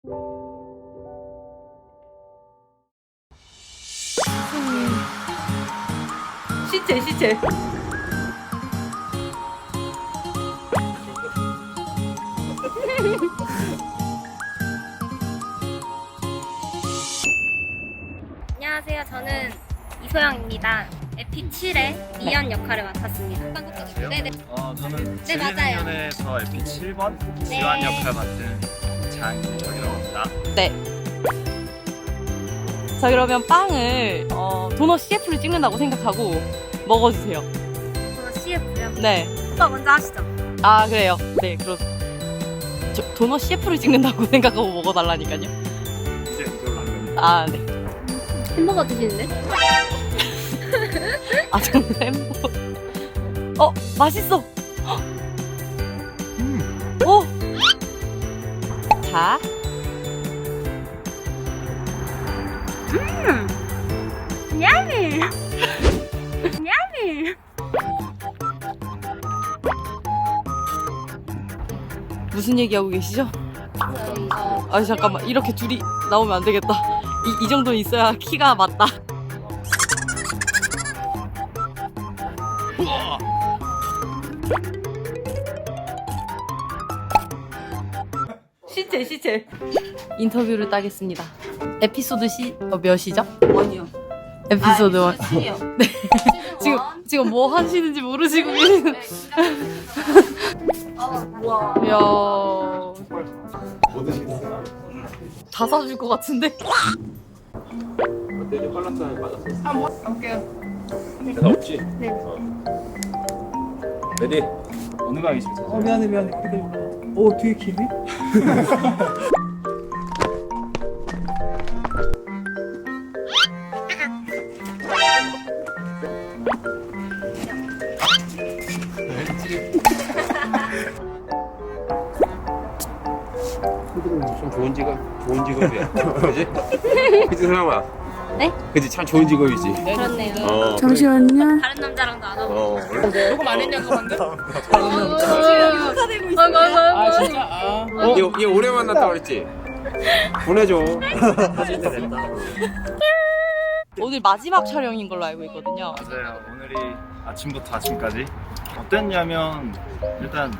시체. 안녕하세요. 저는 이소영입니다. 에피 7의 미연 역할을 맡았습니다. 네네. 저는 네, 맞아요. 질문연에서 에피 7번 지환 역할 맡은 장인혁이라고 합니다. 네. 자, 그러면 빵을 도넛 CF를 찍는다고 생각하고 먹어주세요. 저는 CF요. 네. 오빠 먼저 하시죠. 아, 그래요. 네, 저 도넛 CF를 찍는다고 생각하고 먹어달라니까요. 이제 이걸로 하면 아, 네. 햄버거 드시는데? 아, 저는 햄버거. 맛있어. 자. 야미! 야미! 무슨 얘기하고 계시죠? 아, 잠깐만. 이렇게 둘이 나오면 안 되겠다. 이 정도는 있어야 키가 맞다. 시체. 인터뷰를 따겠습니다. 에피소드 몇이죠? 아니요. 에피소드 1. 시요. 네. 지금 뭐 하시는지 모르시고 계시는. 와. 이야. 다 사줄 것 같은데? 어때? 컬러스는 맞았어? 볼게요. 대답 없지? 네. 레디? 어느 강이 제일 잘 미안해. 되게 기네? 참 좋은 직업이야. 그지? 그지, 사람아? 네? 그지, 참 좋은 직업이지. 그렇네요. 잠시만요. 다른 남자랑도 안 하고. 녹음 안 했냐고 방금? 욕하되고 있어. 아 진짜? 아. 얘 오래 만났다고 그랬지? 보내줘. 오늘 마지막 촬영인 걸로 알고 있거든요. 맞아요. 오늘이 아침부터 아침까지 어땠냐면 일단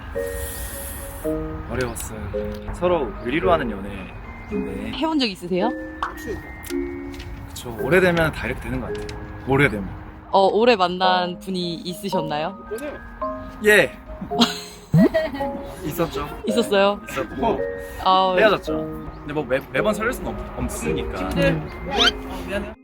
어려웠어요. 서로 의리로 하는 연애인데 해본 적 있으세요? 그쵸, 오래되면 다 이렇게 되는 것 같아요. 오래되면. 오래 만난 분이 있으셨나요? 예. 있었죠. 있었어요? 있었고 아, 헤어졌죠. 근데 뭐 매번 설렐 수는 없으니까. 미안해.